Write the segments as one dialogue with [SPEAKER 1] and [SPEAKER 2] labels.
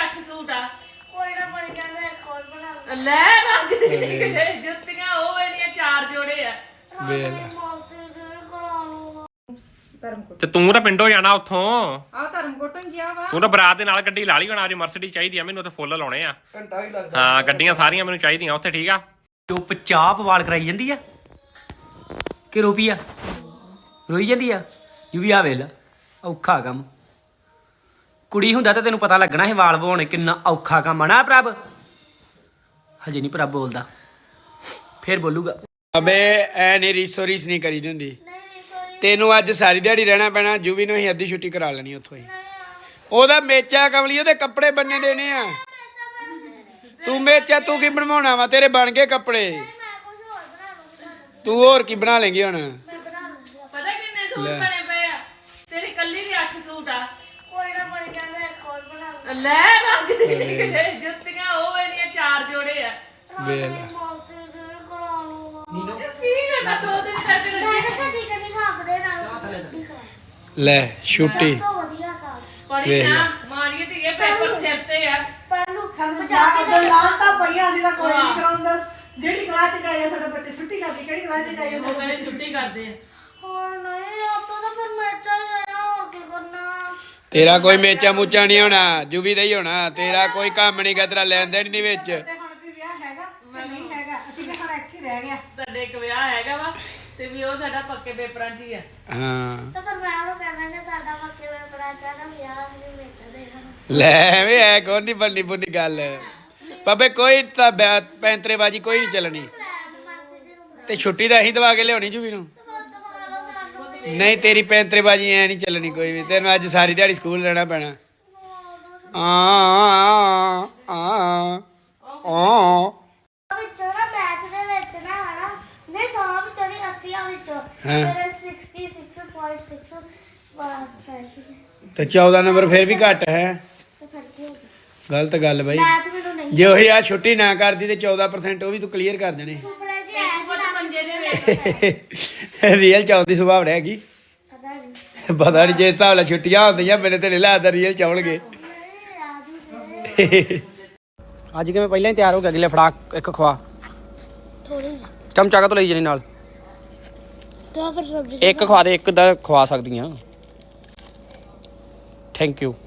[SPEAKER 1] 8 suit ਆ ਕੋਈ ਨਾ ਬਣ ਜਾਂਦਾ ਇੱਕ ਹੋਰ ਬਣਾ ਲੈ ਰੱਜ ਦੀ ਜੁੱਤੀਆਂ ਉਹ ਇਹਦੀਆਂ 4 ਜੋੜੇ ਆ
[SPEAKER 2] ਤੇ ਤੂੰ ਤਾਂ ਪਿੰਡੋਂ ਜਾਣਾ ਉੱਥੋਂ
[SPEAKER 3] ਆ ਧਰਮਕੋਟੋਂ ਗਿਆ ਵਾ
[SPEAKER 2] ਤੂੰ ਤਾਂ ਬਰਾਤ ਦੇ ਨਾਲ ਗੱਡੀ ਲਾ ਲਈ ਹੁਣ ਅੱਜ ਮਰਸੀਡੀ ਚਾਹੀਦੀ ਆ ਮੈਨੂੰ ਤੇ ਫੁੱਲ ਲਾਉਣੇ ਆ
[SPEAKER 4] ਘੰਟਾ ਵੀ ਲੱਗਦਾ
[SPEAKER 2] ਹਾਂ ਗੱਡੀਆਂ ਸਾਰੀਆਂ ਮੈਨੂੰ ਚਾਹੀਦੀਆਂ ਉੱਥੇ ਠੀਕ ਆ
[SPEAKER 5] ਚੁੱਪਚਾਪ ਵਾਲ ਕਰਾਈ ਜਾਂਦੀ ਆ ਕਿ ਰੋਪੀ ਆ ਰੋਈ ਜਾਂਦੀ ਆ ਯੂ ਵੀ ਆ ਵੇਲਾ ਔਖਾ ਕੰਮ ਕੁੜੀ ਹੁੰਦਾ ਤਾਂ ਤੈਨੂੰ ਪਤਾ ਲੱਗਣਾ ਸੀ ਵਾਲ ਵਾਉਣੇ ਕਿੰਨਾ ਔਖਾ ਕੰਮ ਆ ਨਾ ਪ੍ਰਭ ਹਜੇ ਨਹੀਂ ਪ੍ਰਭ ਬੋਲਦਾ ਫੇਰ ਬੋਲੂਗਾ
[SPEAKER 4] ਅਬੇ ਐ ਨਹੀਂ ਰੀਸੋ ਰੀਸ ਨਹੀਂ ਕਰੀਦੀ ਹੁੰਦੀ ਤੈਨੂੰ ਅੱਜ ਸਾਰੀ ਦਿਹਾੜੀ ਰਹਿਣਾ ਪੈਣਾ ਜੂਵੀ ਨੂੰ ਹੀ ਅੱਧੀ ਛੁੱਟੀ ਕਰਾ ਲੈਣੀ ਉੱਥੋਂ ਹੀ ਉਹਦਾ ਮੇਚਾ ਕਮਲੀ ਉਹਦੇ ਕੱਪੜੇ ਬੰਨੇ ਦੇਣੇ ਆ ਤੂੰ ਮੇਚਾ ਤੂੰ ਕੀ ਬਣਵਾਉਣਾ ਵਾ ਤੇਰੇ ਬਣ ਗਏ ਕੱਪੜੇ ਤੂੰ ਹੋਰ ਕੀ ਬਣਾ ਲੇਂਗੀ ਹੁਣ
[SPEAKER 1] ਪਤਾ ਕਿੰਨੇ ਸੂਟ ਬਣੇ ਪਏ ਆ ਤੇਰੀ ਕੱਲੀ ਦੀ 8 ਸੂਟ ਆ ਕੋਈ ਨਾ ਬਣ ਜਾਂਦਾ ਇੱਕ ਹੋਰ ਬਣਾ ਲੈ ਰੱਜ ਦੀ ਜੁੱਤੀਆਂ ਉਹ ਇਹਦੀਆਂ 4 ਜੋੜੇ ਆ
[SPEAKER 4] ਵੇਲ
[SPEAKER 1] ਕੀ ਕਰਨਾ 2 ਦਿਨ ਕਰਕੇ
[SPEAKER 4] ਲੈ ਛੁੱਟੀ
[SPEAKER 1] ਪੜੀ ਨਾ ਮਾਰੀਏ ਤੇ ਇਹ ਪੇਪਰ ਸਿਰ ਤੇ ਆ
[SPEAKER 3] ਜਿਹੜੀ ਕਲਾਸ ਚ ਗਏ ਸਾਡੇ ਬੱਚੇ ਛੁੱਟੀ ਕਰਦੀ ਕਿਹੜੀ ਕਲਾਸ ਚ ਗਏ
[SPEAKER 1] ਉਹ ਕਹਿੰਦੇ ਛੁੱਟੀ ਕਰਦੇ ਆ
[SPEAKER 4] ਤੇਰਾ ਕੋਈ ਮੇਚਾ ਮੂਚਾ ਨਹੀਂ ਹੋਣਾ ਜੂਵੀ ਦਾ ਹੀ ਹੋਣਾ ਤੇਰਾ ਕੋਈ ਕੰਮ ਨਹੀਂ ਗਾ ਤੇਰਾ ਲੈਣ ਦੇਣ ਨਹੀਂ ਵਿੱਚ
[SPEAKER 3] ਹੁਣ ਵੀ ਵਿਆਹ ਹੈਗਾ ਕਿ ਨਹੀਂ ਹੈਗਾ ਅਸੀਂ ਤਾਂ ਹੁਣ ਇੱਕ ਹੀ ਰਹਿ ਗਿਆ
[SPEAKER 1] ਸਾਡੇ ਇੱਕ ਵਿਆਹ ਹੈਗਾ ਵਾ ਤੇ ਵੀ ਉਹ ਸਾਡਾ ਪੱਕੇ ਪੇਪਰਾਂ 'ਚ ਹੀ ਆ
[SPEAKER 4] ਹਾਂ
[SPEAKER 6] ਤਾਂ ਫਿਰ ਮੈਂ ਉਹ ਕਹਿਣਾ ਕਿ ਸਾਡਾ ਮੱਕੇ ਵੇ ਬੜਾ ਚਾਹਨਾ ਵਿਆਹ ਅਸੀਂ ਵੇਚ ਦੇਣਾ
[SPEAKER 4] ਲੈ ਵੇ ਐ ਕੋਈ ਨਹੀਂ ਬੰਨੀ ਬੁੰਨੀ ਗੱਲ ਬਾਬੇ ਕੋਈ ਤਾਂ ਪੈਂਤਰੇਬਾਜੀ ਕੋਈ ਨਹੀਂ ਚੱਲਣੀ ਤੇ ਛੁੱਟੀ ਤਾਂ ਅਸੀਂ ਦਵਾ ਕੇ ਲਿਆਉਣੀ ਜੂਵੀ ਨੂੰ ਨਹੀਂ ਤੇਰੀ ਪੈਂਤਰੇਬਾਜੀ ਐ ਨਹੀਂ ਚੱਲਣੀ ਕੋਈ ਵੀ ਤੈਨੂੰ ਅੱਜ ਸਾਰੀ ਦਿਹਾੜੀ ਸਕੂਲ ਰਹਿਣਾ ਪੈਣਾ
[SPEAKER 6] ਵਿੱਚੋਂ ਨਾ ਮੈਥ ਦੇ ਵਿੱਚ ਨਾ ਹਨਾ ਜੇ 100 ਵਿੱਚੋਂ ਨਹੀਂ 80 ਵਿੱਚੋਂ ਫਿਰ 66.6
[SPEAKER 4] ਤੇ 14 ਨੰਬਰ ਫਿਰ ਵੀ ਘੱਟ ਹੈ
[SPEAKER 6] ਤੇ ਫਿਰ ਕੀ ਹੋ ਗਿਆ
[SPEAKER 4] ਗਲਤ ਗੱਲ ਬਾਈ
[SPEAKER 6] ਮੈਥ ਮੈਨੂੰ ਨਹੀਂ
[SPEAKER 4] ਜੇ ਉਹੀ ਆ ਛੁੱਟੀ ਨਾ ਕਰਦੀ ਤੇ 14% ਉਹ ਵੀ ਤੂੰ ਕਲੀਅਰ ਕਰ ਦੇਣੇ
[SPEAKER 6] ਸੁਪਨੇ ਜੀ ਆਇਆ ਸੀ
[SPEAKER 1] ਉਹ ਮੰਜੇ ਦੇ ਵਿੱਚ
[SPEAKER 4] ਰੀਅਲ ਚ ਆਉਂਦੀ ਸੁਭਾਵ ਹੈਗੀ
[SPEAKER 6] ਪਤਾ ਨਹੀਂ
[SPEAKER 4] ਪਤਾ ਨਹੀਂ ਜੇ ਹਿਸਾਬ ਨਾਲ ਛੁੱਟੀਆਂ ਹੁੰਦੀਆਂ ਮੇਰੇ ਤੇ ਨਹੀਂ ਲੱਗਦਾ ਰੀਅਲ ਚ ਆਉਣਗੇ
[SPEAKER 5] ਅੱਜ ਕਿਵੇਂ ਪਹਿਲਾਂ ਹੀ ਤਿਆਰ ਹੋ ਗਿਆ ਅਗਲੇ ਫੜਾ ਇੱਕ ਖਵਾ
[SPEAKER 6] ਥੋੜੀ
[SPEAKER 5] ਚਮਚਾ ਕਾ ਲਈ ਜਾਨੀ ਨਾਲ
[SPEAKER 6] ਤਾਂ ਫਿਰ ਸਬਜ਼ੀ
[SPEAKER 5] ਇੱਕ ਖਵਾ ਦੇ ਇੱਕ ਦਾ ਖਵਾ ਸਕਦੀਆਂ ਥੈਂਕ ਯੂ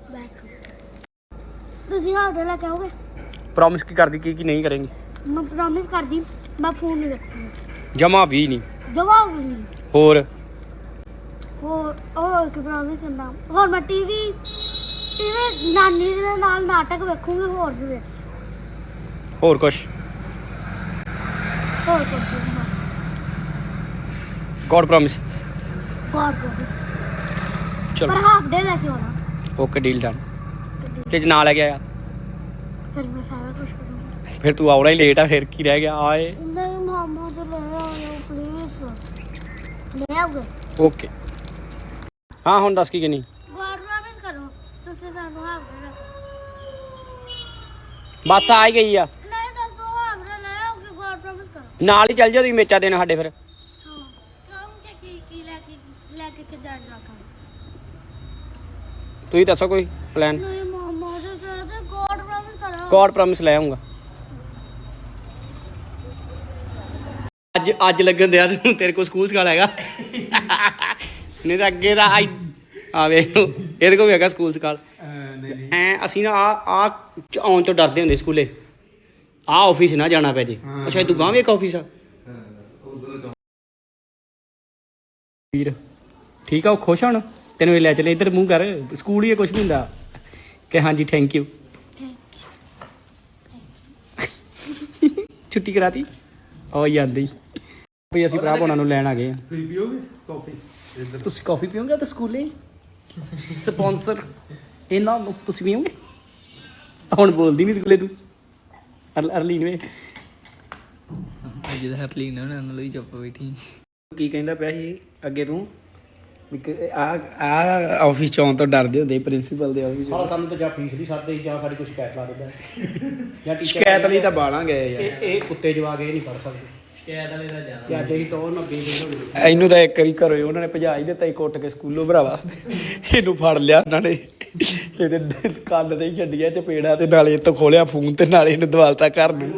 [SPEAKER 6] ਤੁਸੀਂ ਹਾਡੇ ਲੈ ਕੇ ਆਓਗੇ
[SPEAKER 5] ਪ੍ਰੋਮਿਸ ਕੀ ਕਰਦੀ ਕੀ ਨਹੀਂ ਕਰੇਂਗੀ
[SPEAKER 6] ਮੈਂ ਪ੍ਰੋਮਿਸ ਕਰਦੀ ਮੈਂ ਫੋਨ ਨਹੀਂ ਰੱਖੂੰਗੀ
[SPEAKER 5] ਜਮਾ ਵੀ ਨਹੀਂ
[SPEAKER 6] ਜਵਾਬ
[SPEAKER 5] ਹੋਰ
[SPEAKER 6] ਹੋਰ ਕਿ ਪ੍ਰੋਮਿਸ ਕਰਨਾ ਹੋਰ ਮੈਂ ਟੀਵੀ ਨਾਨੀ ਦੇ ਨਾਲ ਨਾਟਕ ਵੇਖੂੰਗੀ ਹੋਰ ਵੀ
[SPEAKER 5] ਹੋਰ ਕੁਛ
[SPEAKER 6] ਹੋਰ ਕੁਝ
[SPEAKER 5] ਗੋਡ ਪ੍ਰੋਮਿਸ
[SPEAKER 6] ਗॉड ਪ੍ਰੋਮਿਸ
[SPEAKER 5] ਚਲੋ
[SPEAKER 6] ਪਰ ਹਾਫ ਡੇ ਲੈ ਕੇ ਆਉਣਾ
[SPEAKER 5] ਓਕੇ ਡੀਲ ਡਨ ਤੇ ਜੇ ਨਾ ਲੈ ਕੇ ਆਇਆ
[SPEAKER 6] ਫਿਰ ਮੈਂ ਸਾਰਾ ਕੁਝ ਕਰੂੰਗੀ
[SPEAKER 5] ਫਿਰ ਤੂੰ ਆਉਣਾ ਹੀ ਲੇਟ ਆ ਫਿਰ ਕੀ ਰਹਿ ਗਿਆ ਆਏ
[SPEAKER 6] ਨਹੀਂ ਮਾਮਾ ਜੀ ਲੈ ਆਇਓ ਪਲੀਜ਼ ਲੈ ਆਓਗੇ
[SPEAKER 5] ਓਕੇ ਹਾਂ ਹੁਣ ਦੱਸ ਕੀ ਕਿੰਨੀ
[SPEAKER 6] ਗॉड ਪ੍ਰੋਮਿਸ ਕਰੋ ਤੁਸੀਂ ਸਾਨੂੰ ਹਾਫ ਡੇ ਲੈ
[SPEAKER 5] ਬੱਸ ਆ ਹੀ ਗਈ ਆ
[SPEAKER 6] ਨਹੀਂ ਦੱਸੋ ਹਾਫ ਡੇ ਲੈ ਆਓਗੇ ਗॉड ਪ੍ਰੋਮਿਸ ਕਰੋ
[SPEAKER 5] ਨਾਲ ਹੀ ਚੱਲ ਜਾ ਤੁਸੀਂ ਮੇਚਾ ਦੇਣਾ ਸਾਡੇ ਫਿਰ
[SPEAKER 6] ਹਾਂ ਕਹੂੰਗੇ ਕੀ ਲੈ ਕੇ ਜਾਣਾ
[SPEAKER 5] ਤੁਸੀਂ ਦੱਸੋ ਕੋਈ ਪਲਾਨ
[SPEAKER 6] ਨਹੀਂ ਮਾਮਾ ਜੀ ਤੇ ਗॉड ਪ੍ਰੋਮਿਸ ਕਰੋ
[SPEAKER 5] ਗੋਡ ਪ੍ਰੋਮਿਸ ਲੈ ਆਉਂਗਾ ਅੱਜ ਲੱਗਣ ਦਿਆ ਤੈਨੂੰ ਤੇਰੇ ਕੋਲ ਸਕੂਲ ਸਕਾਲ ਹੈਗਾ ਨਹੀਂ ਤਾਂ ਅੱਗੇ ਦਾ ਆ ਵੇਖ ਇਹਦੇ ਕੋਲ ਵੀ ਹੈਗਾ ਸਕੂਲ ਸਕਾਲ ਐ ਅਸੀਂ ਨਾ ਆ ਆਉਣ ਤੋਂ ਡਰਦੇ ਹੁੰਦੇ ਸਕੂਲੇ ਆ ਆਫਿਸ ਨਾ ਜਾਣਾ ਪੈ ਜੇ ਅੱਛਾ ਤੂੰ ਗਾਂ ਵੀ ਇੱਕ ਆਫਿਸ ਆ ਵੀਰ ਠੀਕ ਆ ਉਹ ਖੁਸ਼ ਹਣ ਤੈਨੂੰ ਇਹ ਲੈ ਚਲੇ ਇੱਧਰ ਮੂੰਹ ਕਰ ਸਕੂਲ ਹੀ ਕੁਛ ਨਹੀਂ ਹੁੰਦਾ ਕਿ ਹਾਂਜੀ ਥੈਂਕ ਯੂ ਛੁੱਟੀ ਕਰਾਤੀ ਉਹ ਜਾਂਦੀ ਵੀ ਅਸੀਂ ਭਰਾ ਉਹਨਾਂ ਨੂੰ ਲੈਣ ਆ ਗਏ ਆ
[SPEAKER 4] ਤੁਸੀਂ ਪੀਓਗੇ ਕਾਫੀ
[SPEAKER 5] ਤੁਸੀਂ ਕਾਫੀ ਪੀਓਗੇ ਤਾਂ ਸਕੂਲੇ ਸਪਾਂਸਰ ਇਹਨਾਂ ਨੂੰ ਤੁਸੀਂ ਪੀਓਗੇ ਹੁਣ ਬੋਲਦੀ ਨਹੀਂ ਸਕੂਲੇ ਤੂੰ ਅਰਲੀਨ ਵੇ
[SPEAKER 7] ਅੱਜ ਦਾ ਹਰਲੀਨ ਉਹਨਾਂ ਨਾਲ ਹੀ ਚੁੱਪ ਬੈਠੀ
[SPEAKER 4] ਕੀ ਕਹਿੰਦਾ ਪਿਆ ਸੀ ਅੱਗੇ ਤੂੰ ਆ ਆਫਿਸ ਚੋਂ ਤੋਂ ਡਰਦੇ ਹੁੰਦੇ ਪ੍ਰਿੰਸੀਪਲ ਦੇ ਆਫਿਸ
[SPEAKER 5] ਸਾਲਾ ਸਾਨੂੰ ਤਾਂ ਜਾਂ ਫੀਸ ਨਹੀਂ ਸਾਦੇ ਜਾਂ ਸਾਡੀ ਕੋਈ ਸ਼ਿਕਾਇਤ ਲਾ ਦਿੰਦਾ ਜਾਂ ਟੀਚਰ
[SPEAKER 4] ਸ਼ਿਕਾਇਤ ਲਈ ਤਾਂ ਬਾਲਾਂ ਗਏ ਯਾਰ
[SPEAKER 5] ਇਹ ਕੁੱਤੇ ਜਵਾਕ ਇਹ ਨਹੀਂ ਪੜ ਸਕਦੇ
[SPEAKER 7] ਸ਼ਿਕਾਇਤ ਵਾਲੇ ਦਾ ਜ਼ਿਆਦਾ
[SPEAKER 5] ਤੇ ਅੱਜ ਅਸੀਂ ਟੋਰ ਨਾ ਬੇਦੇ
[SPEAKER 4] ਇਹਨੂੰ ਤਾਂ ਇੱਕ ਵਾਰੀ ਘਰੋਂ ਉਹਨਾਂ ਨੇ ਭਜਾ ਹੀ ਦਿੱਤਾ ਹੀ ਕੁੱਟ ਕੇ ਸਕੂਲੋਂ ਭਰਾਵਾ ਇਹਨੂੰ ਫੜ ਲਿਆ ਉਹਨਾਂ ਨੇ ਇਹਦੇ ਕੰਨ ਤੇ ਹੀ ਛੱਡੀਆਂ ਚਪੇੜਾ ਤੇ ਨਾਲੇ ਤੋਂ ਖੋਲਿਆ ਫੋਨ ਤੇ ਨਾਲੇ ਇਹਨੂੰ ਦਵਾਲਤਾ ਘਰ ਨੂੰ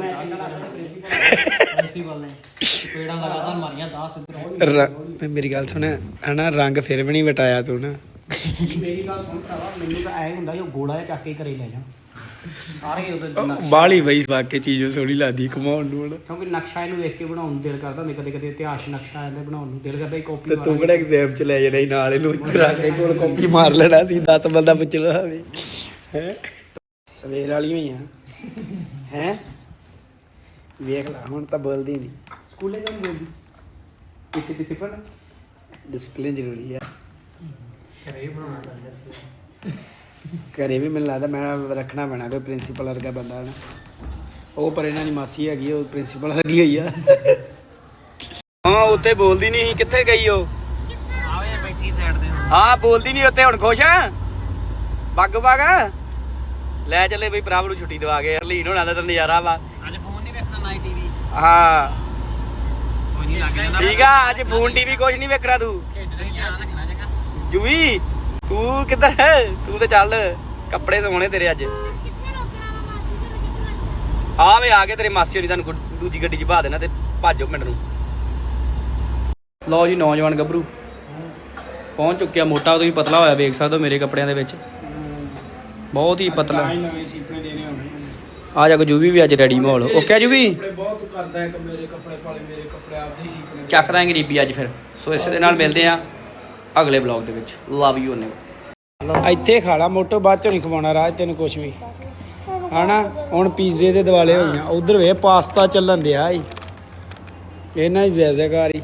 [SPEAKER 5] ਪੇੜਾਂ ਲਗਾਤਾਰ ਮਾਰੀਆਂ 10
[SPEAKER 4] ਮੇਰੀ ਗੱਲ ਸੁਣ ਹਨਾ ਰੰਗ ਫਿਰ ਵੀ ਨਹੀਂ ਵਟਾਇਆ ਤੂੰ ਨਾ
[SPEAKER 5] ਮੇਰੀ ਗੱਲ ਸੁਣ ਭਰਾਵਾ ਮੈਨੂੰ ਤਾਂ ਐ ਹੁੰਦਾ ਜੋ ਗੋਲਾ ਜਿਹਾ ਚੱਕ ਕੇ ਘਰੇ ਲੈ ਜਾ ਸਾਰੇ ਉਹਦੇ
[SPEAKER 4] ਬਾਹਲੀ ਬਈ ਵਾਕੇ ਚੀਜ਼ੋਂ ਸੋਹਣੀ ਲੱਗਦੀ ਕਮਾਉਣ ਨੂੰ ਹਨਾ
[SPEAKER 5] ਕਿਉਂਕਿ ਨਕਸ਼ਾ ਇਹਨੂੰ ਵੇਖ ਕੇ ਬਣਾਉਣ ਨੂੰ ਦਿਲ ਕਰਦਾ ਹੁੰਦਾ, ਕਦੇ ਕਦੇ ਇਤਿਹਾਸ ਨਕਸ਼ਾ ਇਹਨੇ ਬਣਾਉਣ ਨੂੰ ਦਿਲ ਕਰਦਾ ਹੀ ਕਾਪੀ
[SPEAKER 4] ਤੇ ਤੂੰ ਕਿਹੜਾ ਐਗਜ਼ਾਮ ਚ ਲੈ ਜਾਣਾ ਸੀ ਨਾਲ ਇਹਨੂੰ ਇੱਥੇ ਰੱਖ ਕੇ ਕੋਲ ਕਾਪੀ ਮਾਰ ਲੈਣਾ ਸੀ 10 ਬੰਦਾ ਪੁੱਛਣਾ ਹੋਵੇ ਹੈ ਸਵੇਰ ਵਾਲੀ ਹੋਈ ਹੈ ਵੇਖ ਲਾ ਹੁਣ ਤਾਂ ਬੋਲਦੀ ਨਹੀਂ
[SPEAKER 5] ਸਕੂਲੇ ਕਿਉਂ ਬੋਲਦੀ ਇੱਥੇ
[SPEAKER 4] ਡਿਸਪਲਿਨ ਜ਼ਰੂਰੀ ਹੈ ਘਰੇ ਵੀ ਮੈਨੂੰ ਲੱਗਦਾ ਮੈਂ ਰੱਖਣਾ ਪੈਣਾ ਕੋਈ ਪ੍ਰਿੰਸੀਪਲ ਵਰਗਾ ਬੰਦਾ ਨਾ ਉਹ ਪਰ ਇਹਨਾਂ ਦੀ ਮਾਸੀ ਹੈਗੀ ਉਹ ਪ੍ਰਿੰਸੀਪਲ ਵਰਗੀ ਹੋਈ ਆ ਹਾਂ ਉੱਥੇ ਬੋਲਦੀ ਨਹੀਂ ਸੀ ਕਿੱਥੇ ਗਈ ਉਹ
[SPEAKER 5] ਆਵੇ ਬੈਠੀ ਸਾਈਡ ਤੇ
[SPEAKER 4] ਹਾਂ ਬੋਲਦੀ ਨਹੀਂ ਉੱਥੇ ਹੁਣ ਖੁਸ਼ ਆ ਬੱਗ ਲੈ ਚੱਲੇ ਬਈ ਭਰਾ ਨੂੰ ਛੁੱਟੀ ਦਵਾ ਕੇ ਹਰਲੀਨ ਹੋਣਾ ਦਾ ਤਾਂ ਨਜ਼ਾਰਾ ਵਾ
[SPEAKER 5] ਅੱਜ ਫੋਨ ਨਹੀਂ ਵੇਖਣਾ ਨਾ ਟੀਵੀ
[SPEAKER 4] ਹਾਂ
[SPEAKER 5] ਕੋਈ ਨਹੀਂ ਲੱਗ ਜਾਂਦਾ
[SPEAKER 4] ਠੀਕ ਆ ਅੱਜ ਫੋਨ ਟੀਵੀ ਕੁਝ ਨਹੀਂ ਵੇਖਣਾ ਤੂੰ
[SPEAKER 5] ਖੇਡਣਾ ਹੀ ਆ ਰੱਖਣਾ ਜਗਾ
[SPEAKER 4] ਜੂਵੀ ਤੂੰ ਕਿੱਧਰ ਹੈ ਤੂੰ ਤੇ ਚੱਲ ਕੱਪੜੇ ਸੋਹਣੇ ਤੇਰੇ ਅੱਜ ਆ ਵੇ ਆ ਕੇ ਤੇਰੇ ਮਾਸੀ ਹੋਣੀ ਤੁਹਾਨੂੰ ਦੂਜੀ ਗੱਡੀ 'ਚ ਭਾ ਦੇਣਾ ਤੇ ਭਾਜੋ ਪਿੰਡ ਨੂੰ ਲਓ ਜੀ ਨੌਜਵਾਨ ਗੱਭਰੂ ਪਹੁੰਚ ਚੁੱਕਿਆ ਮੋਟਾ ਉਦੋਂ ਹੀ ਪਤਲਾ ਹੋਇਆ ਵੇਖ ਸਕਦੇ ਹੋ ਮੇਰੇ ਕੱਪੜਿਆਂ ਦੇ ਵਿੱਚ ਬਹੁਤ ਹੀ ਪਤਲਾ ਆ ਜਾ ਕੋ ਜੂਵੀ ਵੀ ਅੱਜ ਰੈਡੀ ਮਾਹੌਲ ਓਕੇ ਜੂਵੀ ਬਹੁਤ ਕਰਦਾ ਹੈ ਕਿ ਮੇਰੇ ਕੱਪੜੇ ਪਾਲੇ ਮੇਰੇ ਕੱਪੜੇ ਆਪਦੇ ਸੀ ਚੱਕ ਦਾਂਗੇ ਗਰੀਬੀ ਅੱਜ ਫਿਰ ਸੋ ਇਸੇ ਦੇ ਨਾਲ ਮਿਲਦੇ ਆ ਅਗਲੇ ਵਲੌਗ ਦੇ ਵਿੱਚ ਲਵ ਯੂ ਨੇ ਇੱਥੇ ਖਾ ਲਾ ਮੋਟੋ ਬਾਅਦ ਚੋਂ ਨਹੀਂ ਖਵਾਉਣਾ ਰਾਜ ਤੈਨੂੰ ਕੁਝ ਵੀ ਹਨਾ ਹੁਣ ਪੀਜ਼ੇ ਦੇ ਦਿਵਾਲੇ ਹੋਈਆਂ ਉਧਰ ਵੇ ਪਾਸਤਾ ਚੱਲਣ ਦਿਆ ਈ ਇਹਨਾਂ ਦੀ ਜੈਜ਼ੇਕਾਰੀ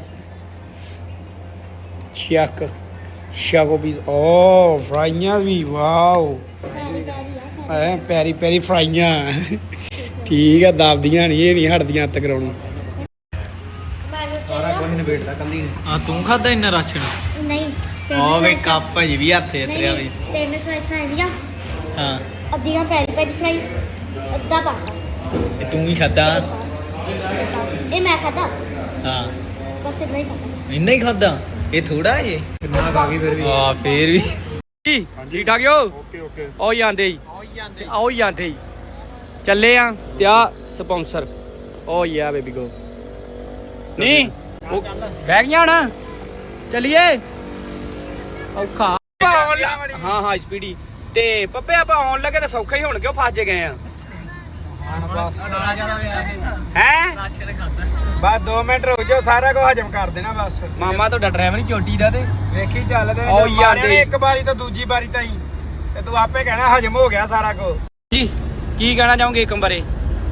[SPEAKER 4] ਸ਼ਾਕੋ ਪੀਜ਼ ਓ ਫਰਾਈਆਂ ਵੀ ਵਾਓ ਐ ਪੈਰੀ ਪੈਰੀ ਫਰਾਈਆਂ ਠੀਕ ਆ ਦਬਦੀਆਂ ਨਹੀਂ ਇਹ ਨਹੀਂ ਹਟਦੀਆਂ ਅੱਤ ਕਰਾਉਣੋਂ
[SPEAKER 5] ਸਾਰਾ ਕੁਝ ਨਿਬੇੜਦਾ ਕੱਲੀ ਨੇ
[SPEAKER 7] ਆ ਤੂੰ ਖਾਦਾ ਇੰਨਾ ਰਾਸ਼ਨ
[SPEAKER 6] ਨਹੀਂ
[SPEAKER 7] ਆ ਵੇ ਕੱਪ ਜੀ ਵੀ ਹੱਥੇ ਤੇਰੇ ਵੀ
[SPEAKER 6] ਤਿੰਨ ਸਲਾਈਸਾਂ ਇਹਦੀਆਂ
[SPEAKER 7] ਹਾਂ
[SPEAKER 6] ਅੱਧੀਆਂ ਪੈਰੀ ਪੈਰੀ ਸਲਾਈਸ ਅੱਧਾ ਪਾਸਤਾ
[SPEAKER 7] ਇਹ ਤੂੰ ਹੀ ਖਾਦਾ
[SPEAKER 6] ਇਹ ਮੈਂ ਖਾਧਾ
[SPEAKER 7] ਹਾਂ
[SPEAKER 6] ਬਸ ਇੰਨਾ ਹੀ ਖਾਧਾ
[SPEAKER 7] ਇੰਨਾ ਹੀ ਖਾਦਾ ਇਹ ਥੋੜਾ ਜੇ
[SPEAKER 5] ਕਿੰਨਾ ਖਾ ਗਈ ਫਿਰ ਵੀ
[SPEAKER 7] ਆ ਫੇਰ ਵੀ
[SPEAKER 4] ਠੀਕ ਠਾਕ ਹੋ ਓਕੇ ਆਓ ਜਾਂਦੇ ਹੀ ਆਓ ਜਾਂਦੇ ਹੀ ਚੱਲੇ ਆ ਤੇ ਆ ਸਪਾਂਸਰ ਓ ਯਾ ਬੇਬੀ ਗੋ ਨਹੀਂ ਉਹ ਬਹਿ ਗਿਆ ਨਾ ਚੱਲੀਏ ਔਖਾ ਹਾਂ ਹਾਂ ਸਪੀਡੀ ਤੇ ਪੱਪੇ ਆਪਾਂ ਆਉਣ ਲੱਗੇ ਤਾਂ ਸੌਖਾ ਹੀ ਹੋਣ ਕਿਉਂ ਫਸ ਜੇ ਗਏ ਆ ਹੈ
[SPEAKER 5] ਰਾਸ਼ਨ ਖਾਦਾ
[SPEAKER 4] ਬਸ 2 ਮਿੰਟ ਰੁਕ ਜਾਓ ਸਾਰਾ ਕੁਝ ਹਜਮ ਕਰ ਦੇਣਾ ਬਸ ਮਾਮਾ ਤੁਹਾਡਾ ਡਰਾਈਵਰ ਚੋਟੀ ਦਾ ਤੇ ਵੇਖੀ ਚੱਲਦੇ ਓ ਯਾਰ ਇੱਕ ਵਾਰੀ ਤਾਂ ਦੂਜੀ ਵਾਰੀ ਤਾਂ ਹੀ ਤੇ ਤੂੰ ਆਪੇ ਕਹਿਣਾ ਹਜਮ ਹੋ ਗਿਆ ਸਾਰਾ ਕੁਝ ਜੀ ਕੀ ਕਹਿਣਾ ਚਾਹੋਗੇ ਇੱਕ ਬਾਰੇ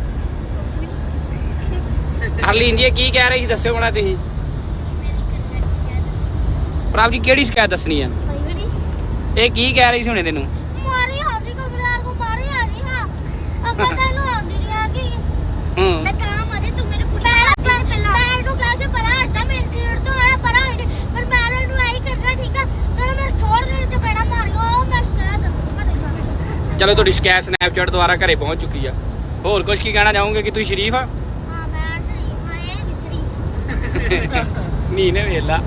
[SPEAKER 4] ਹਰਲੀਨ ਜੀ ਕੀ ਕਹਿ ਰਹੀ ਸੀ ਦੱਸਿਓ ਬਣਾ ਤੁਸੀਂ ਪ੍ਰਭ ਜੀ ਕਿਹੜੀ ਸ਼ਿਕਾਇਤ ਦੱਸਣੀ ਆ ਇਹ ਕੀ ਕਹਿ ਰਹੀ ਸੀ ਹੁਣੇ ਤੈਨੂੰ
[SPEAKER 6] ਮਾਰੀ ਆਉਂਦੀ ਕਮਰਾਰ ਕੋ ਮਾਰੀ ਆ ਰਹੀ ਹਾਂ ਅੱਗਾ ਤੈਨੂੰ ਆਉਂਦੀ ਨਹੀਂ ਆ ਗਈ ਮੈਂ ਤਾਂ ਮਾਰੀ ਤੂੰ ਮੇਰੇ ਪੁੱਤ ਕਰ ਪਹਿਲਾਂ ਮੈਂ ਨੂੰ ਕਹਿ ਕੇ ਪਰਾਂ ਹਟਾ ਮੇਰੀ ਸੀਟ ਤੋਂ ਆਇਆ ਪਰਾਂ ਹਟ ਪਰ ਮੈਂ ਨੂੰ ਆਈ ਕਰਨਾ ਠੀਕ ਆ ਤੈਨੂੰ ਮੈਂ ਛੋੜ ਦੇ ਚਪੇੜਾ ਮਾਰਿਓ ਮੈਂ ਸ਼ਿਕਾਇਤ ਦੱਸੂਗਾ
[SPEAKER 4] ਚਲੋ ਤੁਹਾਡੀ ਸ਼ਿਕਾਇਤ ਸਨੈਪਚੈਟ ਦੁਆਰਾ ਘਰੇ ਪਹੁੰਚ ਚੁੱਕੀ ਆ ਹੋਰ ਕੁਝ ਕੀ ਕਹਿਣਾ ਚਾਹੋਗੇ ਕਿ ਤੁਸੀਂ ਸ਼ਰੀਫ ਆ
[SPEAKER 6] ਹਾਂ ਮੈਂ ਸ਼ਰੀਫ ਹਾਂ ਇਹ ਵੀ ਸ਼ਰੀਫ
[SPEAKER 4] ਨਹੀਂ ਨੇ ਵੇਲਾ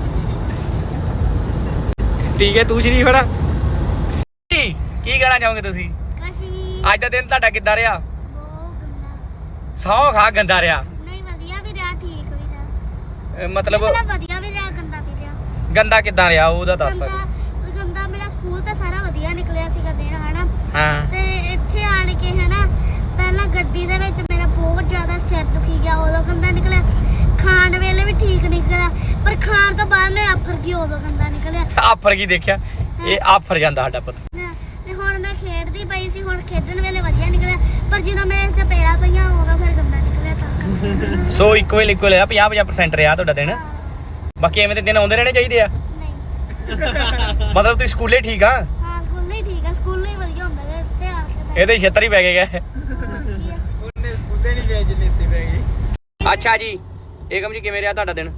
[SPEAKER 4] ਠੀਕ ਹੈ ਤੂੰ ਸ਼ਰੀਫ ਖੜਾ ਕੀ ਕਹਿਣਾ ਚਾਹੋਗੇ ਤੁਸੀਂ
[SPEAKER 6] ਕਸ਼ੀ
[SPEAKER 4] ਅੱਜ ਦਾ ਦਿਨ ਤੁਹਾਡਾ ਕਿੱਦਾਂ ਰਿਹਾ
[SPEAKER 6] ਬਹੁਤ ਗੰਦਾ
[SPEAKER 4] ਸੌ ਖਾ ਗੰਦਾ ਰਿਹਾ
[SPEAKER 6] ਨਹੀਂ ਵਧੀਆ ਵੀ ਰਿਹਾ ਠੀਕ ਵੀ ਰਿਹਾ
[SPEAKER 4] ਮਤਲਬ
[SPEAKER 6] ਵਧੀਆ ਵੀ ਰਿਹਾ ਗੰਦਾ ਵੀ ਰਿਹਾ
[SPEAKER 4] ਗੰਦਾ ਕਿੱਦਾਂ ਰਿਹਾ ਉਹਦਾ ਦੱਸ
[SPEAKER 6] ਗੰਦਾ ਮੇਰਾ ਸਕੂਲ ਤਾਂ ਸਾਰਾ ਵਧੀਆ ਨਿਕਲਿਆ ਸੀਗਾ ਦਿਨ ਹਨਾ
[SPEAKER 4] ਹਾਂ
[SPEAKER 6] ਤੇ ਇੱਥੇ ਆਣ ਕੇ ਹਨਾ ਪਹਿਲਾਂ ਗੱਡੀ ਦੇ ਵਿੱਚ ਮੇਰਾ ਬਹੁਤ ਜ਼ਿਆਦਾ ਸਿਰ ਦੁਖੀ ਗਿਆ ਉਦੋਂ ਗੰਦਾ ਨਿਕਲਿਆ ਖਾਣ ਵੇਲੇ ਵੀ ਠੀਕ ਨਿਕਲਿਆ ਪਰ ਖਾਣ ਤੋਂ ਬਾਅਦ ਮੈਂ ਆਫਰ ਗਈ ਉਦੋਂ ਗੰਦਾ ਨਿਕਲਿਆ
[SPEAKER 4] ਆਫਰ ਕੀ ਦੇਖਿਆ ਇਹ ਆਫਰ ਜਾਂਦਾ ਸਾਡਾ ਪੁੱਤ
[SPEAKER 6] ਤੇ ਹੁਣ ਮੈਂ ਖੇਡਦੀ ਪਈ ਸੀ ਹੁਣ ਖੇਡਣ ਵੇਲੇ ਵਧੀਆ ਨਿਕਲਿਆ ਪਰ ਜਦੋਂ ਮੈਂ ਚਪੇੜਾ ਪਈਆਂ ਉਦੋਂ ਫਿਰ ਗੰਦਾ ਨਿਕਲਿਆ ਤਾਂ
[SPEAKER 4] ਸੋ ਇਕੁਅਲ ਆ 50% ਰਿਹਾ ਤੁਹਾਡਾ ਦਿਨ ਬਾਕੀ ਐਵੇਂ ਦੇ ਦਿਨ ਆਉਂਦੇ ਰਹਿਣੇ ਚਾਹੀਦੇ ਆ
[SPEAKER 6] ਨਹੀਂ
[SPEAKER 4] ਮਤਲਬ ਤੁਸੀਂ ਸਕੂਲੇ ਠੀਕ ਆ
[SPEAKER 6] ਹਾਂ ਸਕੂਲ ਨਹੀਂ ਠੀਕ ਆ ਸਕੂਲ ਨਹੀਂ ਵਧੀਆ ਹੁੰਦਾ ਗਾ, ਇੱਥੇ ਆ ਕੇ
[SPEAKER 4] ਇਹਦੇ ਛੇਤਰ ਹੀ ਪੈ ਗਏ ਗਏ
[SPEAKER 5] ਉਹਨੇ ਸਕੂਲੇ ਨਹੀਂ ਗਏ ਜਿੰਨੇ ਇੱਥੇ ਪੈ ਗਏ
[SPEAKER 4] ਅੱਛਾ ਜੀ ਏਕਮ ਜੀ ਕਿਵੇਂ ਰਿਹਾ ਤੁਹਾਡਾ ਦਿਨ